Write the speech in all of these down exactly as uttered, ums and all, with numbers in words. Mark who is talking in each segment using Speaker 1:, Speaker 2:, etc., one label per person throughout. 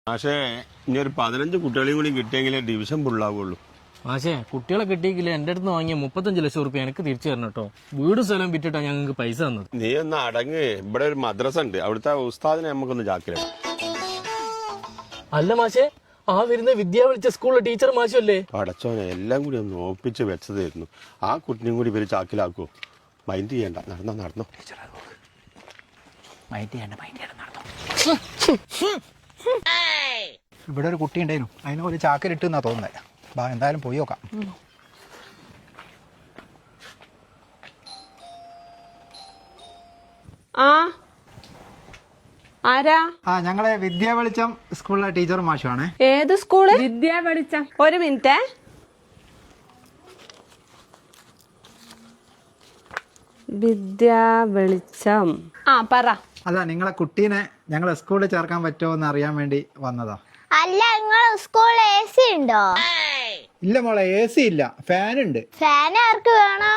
Speaker 1: പക്ഷേ ഇനി ഒരു പതിനഞ്ച് കുട്ടികളെയും കൂടി കിട്ടിയെങ്കിലേ ഡിവിഷൻ ഫുള്ളാവുള്ളൂ.
Speaker 2: പക്ഷേ കുട്ടികളെ കിട്ടിയെങ്കിൽ എൻ്റെ അടുത്ത് വാങ്ങിയ മുപ്പത്തഞ്ച് ലക്ഷം റുപ്യ എനിക്ക് തിരിച്ചു തരണം കേട്ടോ. വീട് സ്ഥലം വിറ്റിട്ടാ ഞങ്ങൾക്ക് പൈസ തന്നത്.
Speaker 1: നീ ഒന്ന് അടങ്ങ്. ഇവിടെ ഒരു മദ്രസ ഉണ്ട്, അവിടുത്തെ ഉസ്താദിനെ നമുക്കൊന്ന് ചാക്കിലാണ്.
Speaker 2: അല്ല മാഷേ, ആ വരുന്ന വിദ്യ വിളിച്ച സ്കൂളിലെ ടീച്ചർ മാഷല്ലേ?
Speaker 1: അടച്ചോനെ എല്ലാം കൂടി ഒന്ന് ഒപ്പിച്ച് വെച്ചതായിരുന്നു. ആ കുട്ടിനെയും കൂടി ഇവര് ചാക്കിലാക്കുവോ? മൈൻഡ് ചെയ്യണ്ട, നടന്നോ നടന്നോ.
Speaker 3: ഇവിടെ ഒരു കുട്ടി ഉണ്ടായിരുന്നു, അതിന് ഒരു ചാക്കിലിട്ട് എന്നാ തോന്നുന്നത്. ബാ എന്തായാലും പോയി നോക്കാം.
Speaker 4: ആ ആരാ?
Speaker 3: ആ ഞങ്ങളെ വിദ്യാ വെളിച്ചം സ്കൂളിലെ ടീച്ചർ മാഷുവാണ്.
Speaker 4: ഏത് സ്കൂള്? വിദ്യാ വെളിച്ചം. ഒരു മിനിറ്റ്. വിദ്യാ വെളിച്ചം. ആ പറ.
Speaker 3: അല്ല, നിങ്ങളെ കുട്ടീനെ ഞങ്ങളെ സ്കൂളിൽ ചേർക്കാൻ പറ്റുമോ എന്ന് അറിയാൻ വേണ്ടി വന്നതാ.
Speaker 5: അല്ല, നിങ്ങളെ സ്കൂളിൽ എ സി ഉണ്ടോ?
Speaker 3: ഇല്ല മോളെ, എ സി ഇല്ല, ഫാൻ ഉണ്ട്.
Speaker 5: ഫാൻ ആർക്ക് വേണോ?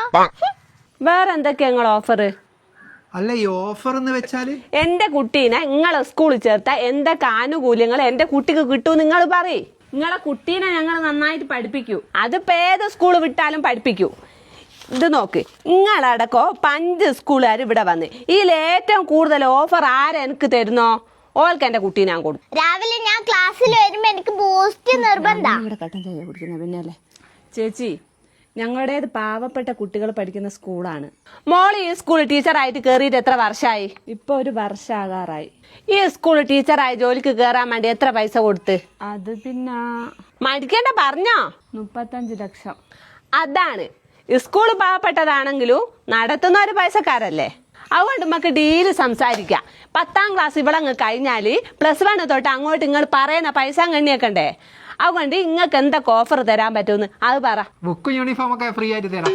Speaker 4: വേറെ എന്തൊക്കെയാ നിങ്ങൾ ഓഫർ?
Speaker 3: അല്ല, ഈ ഓഫർ എന്ന് വെച്ചാല്
Speaker 4: എന്റെ കുട്ടീനെ നിങ്ങളെ സ്കൂളിൽ ചേർത്താ എന്തൊക്കെ ആനുകൂല്യങ്ങൾ എന്റെ കുട്ടിക്ക് കിട്ടൂ നിങ്ങൾ പറയ്. നിങ്ങളെ കുട്ടീനെ ഞങ്ങൾ നന്നായിട്ട് പഠിപ്പിക്കൂ. അതിപ്പോ ഏത് സ്കൂൾ വിട്ടാലും പഠിപ്പിക്കൂ. ഇത് നോക്ക്, നിങ്ങളടക്കോ പഞ്ച് സ്കൂളുകാർ ഇവിടെ വന്ന് ഇതിൽ ഏറ്റവും കൂടുതൽ ഓഫർ ആരെ എനിക്ക് തരുന്നോ ഓൾക്ക് എന്റെ കുട്ടീനെ ഞാൻ കൊടുക്കും.
Speaker 5: രാവിലെ ഞാൻ ക്ലാസ്സിൽ വരുമ്പോ എനിക്ക് ബൂസ്റ്റ് നിർബന്ധം.
Speaker 4: പിന്നല്ലേ ചേച്ചി, ഞങ്ങളുടേത് പാവപ്പെട്ട കുട്ടികൾ പഠിക്കുന്ന സ്കൂളാണ്. മോൾ ഈ സ്കൂൾ ടീച്ചറായിട്ട് കയറിയിട്ട് എത്ര വർഷമായി? ഇപ്പൊ ഒരു വർഷമാകാറായി. ഈ സ്കൂൾ ടീച്ചറായി ജോലിക്ക് കയറാൻ വേണ്ടി എത്ര പൈസ കൊടുത്ത്? അത് പിന്നെ മടിക്കേണ്ട പറഞ്ഞോ. മുപ്പത്തഞ്ച് ലക്ഷം. അതാണ്, സ്കൂൾ പാവപ്പെട്ടതാണെങ്കിലും നടത്തുന്ന ഒരു പൈസക്കാരല്ലേ. അതുകൊണ്ട് നമുക്ക് ഡീല് സംസാരിക്കാം. പത്താം ക്ലാസ് ഇവിടെ അങ്ങ് കഴിഞ്ഞാല് പ്ലസ് വൺ തൊട്ട് അങ്ങോട്ട് നിങ്ങൾ പറയുന്ന പൈസ കണ്ണിയേക്കണ്ടേ. അതുകൊണ്ട് നിങ്ങൾക്ക് എന്തൊക്കെ ഓഫർ തരാൻ പറ്റുമെന്ന് അത് പറ.
Speaker 3: ബുക്കും യൂണിഫോം ഒക്കെ ഫ്രീ ആയിട്ട് തരാം.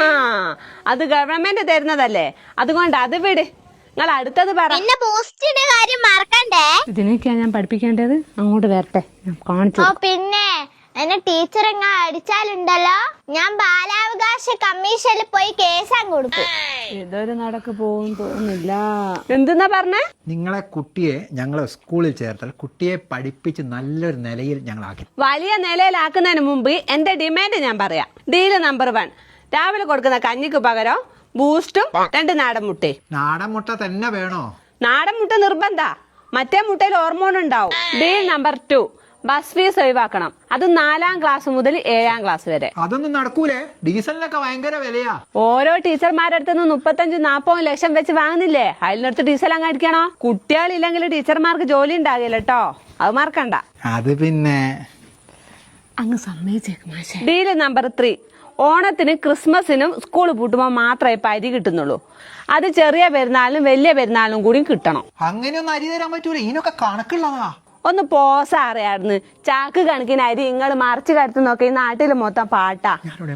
Speaker 4: അത് ഗവൺമെന്റ് തരുന്നതല്ലേ, അതുകൊണ്ട് അത് വിട്. നിങ്ങൾ അടുത്തത് പറ.
Speaker 5: പിന്നെ ബൂസ്റ്റിന്റെ കാര്യം മറക്കണ്ടേ.
Speaker 4: ഇതിനൊക്കെയാ ഞാൻ പഠിപ്പിക്കേണ്ടത്. അങ്ങോട്ട് വരട്ടെ, കാണിച്ചു.
Speaker 5: ഓ പിന്നെ എന്നെ ടീച്ചർ എങ്ങ അടിച്ചാലുണ്ടല്ലോ, ഞാൻ ബാലാവകാശ കമ്മീഷനിൽ പോയി കേസാൻ കൊടുക്കും.
Speaker 4: ഇതൊരു നടക്ക് പോകും തോന്നുന്നില്ല. എന്തെന്നാ പറഞ്ഞേ?
Speaker 3: നിങ്ങളെ കുട്ടിയെ ഞങ്ങളെ സ്കൂളിൽ ചേർത്താൽ കുട്ടിയെ പഠിപ്പിച്ച് നല്ലൊരു നിലയിൽ ഞങ്ങളാക്കി.
Speaker 4: വലിയ നിലയിലാക്കുന്നതിന് മുമ്പ് എന്റെ ഡിമാൻഡ് ഞാൻ പറയാം. ഡീല് നമ്പർ വൺ, രാവിലെ കൊടുക്കുന്ന കഞ്ഞിക്ക് പകരം ബൂസ്റ്റും രണ്ട് നാടൻ മുട്ടയും.
Speaker 3: നാടൻ മുട്ട തന്നെ വേണോ?
Speaker 4: നാടൻ മുട്ട നിർബന്ധ, മറ്റേ മുട്ടയിൽ ഹോർമോൺ ഉണ്ടാവും. Deal number two, bus fees ഒഴിവാക്കണം. അത് നാലാം ക്ലാസ് മുതൽ ഏഴാം ക്ലാസ് വരെ.
Speaker 3: അതൊന്നും നടക്കൂലേ, ഡീസലിനൊക്കെ ഭയങ്കര വിലയാ.
Speaker 4: ഓരോ ടീച്ചർമാരുടെ അടുത്ത് നിന്ന് മുപ്പത്തഞ്ച് നാപ്പത് ലക്ഷം വെച്ച് വാങ്ങുന്നില്ലേ, അതിനടുത്ത് ഡീസൽ അങ്ങ് അടിക്കണോ? കുട്ടികളില്ലെങ്കിൽ ടീച്ചർമാർക്ക് ജോലി ഉണ്ടാകില്ല കേട്ടോ, അത് മറക്കണ്ട.
Speaker 3: അത് പിന്നെ
Speaker 4: അങ്ങ് സമ്മതിച്ചേക്കും. ഡീല് നമ്പർ ത്രീ, ഓണത്തിന് ക്രിസ്മസിനും സ്കൂൾ പൂട്ടുമ്പോൾ മാത്രമേ ഇപ്പൊ അരി കിട്ടുന്നുള്ളൂ. അത് ചെറിയ പെരുന്നാളിനും വലിയ പെരുന്നാളിനും കൂടി കിട്ടണം.
Speaker 3: അങ്ങനെയൊന്നും അരി തരാൻ പറ്റൂല, ഇതിനൊക്കെ കണക്കുള്ളതാ.
Speaker 4: ഒന്ന് പോസ അറിയായിരുന്നു. ചാക്ക് കണക്കിന് അരി നിങ്ങൾ മറിച്ച് കരുത്ത് നോക്കി, ഈ നാട്ടിൽ മൊത്തം പാട്ടാ.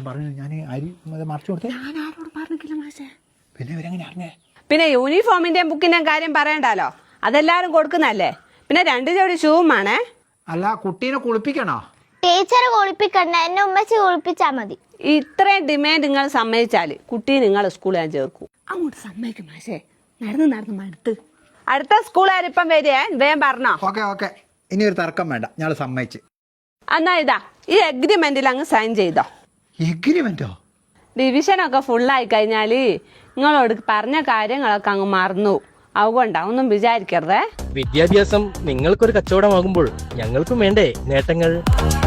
Speaker 4: പിന്നെ യൂണിഫോമിന്റെയും ബുക്കിന്റെയും കാര്യം പറയണ്ടല്ലോ, അതെല്ലാരും കൊടുക്കുന്നല്ലേ. പിന്നെ രണ്ട് ജോഡി ഷൂവും വേണേ.
Speaker 3: അല്ല, കുട്ടീനെ കുളിപ്പിക്കണോ?
Speaker 5: ടീച്ചർ കുളിപ്പിക്കണ്ട, എന്നെ ഉമ്മച്ചി കുളിപ്പിച്ചാ മതി.
Speaker 4: ഇത്രയും ഡിമാൻഡ് നിങ്ങൾ സമ്മതിച്ചാല് കുട്ടി നിങ്ങൾ സ്കൂളിൽ ഞാൻ ചേർക്കും. അങ്ങോട്ട് സമ്മതിക്കും മാഷേ, നടന്ന് നടന്ന് മടുത്ത്. അടുത്ത സ്കൂളുകാരിപ്പം വരിക, വേഗം പറഞ്ഞോ.
Speaker 3: ഓക്കെ ഓക്കെ, ഇനി ഒരു തർക്കം വേണ്ട, ഞാൻ സമ്മതിച്ച്.
Speaker 4: എന്നാ ഇതാ ഈ എഗ്രിമെന്റിൽ അങ്ങ് സൈൻ ചെയ്തോ.
Speaker 3: എഗ്രിമെന്റോ?
Speaker 4: ഡിവിഷനൊക്കെ ഫുള്ളായി കഴിഞ്ഞാല് നിങ്ങളോട് പറഞ്ഞ കാര്യങ്ങളൊക്കെ അങ്ങ് മറന്നു. അതുകൊണ്ടാ, ഒന്നും വിചാരിക്കരുതേ.
Speaker 2: വിദ്യാഭ്യാസം നിങ്ങൾക്കൊരു കച്ചവടമാകുമ്പോൾ ഞങ്ങൾക്കും വേണ്ടേ നേട്ടങ്ങൾ?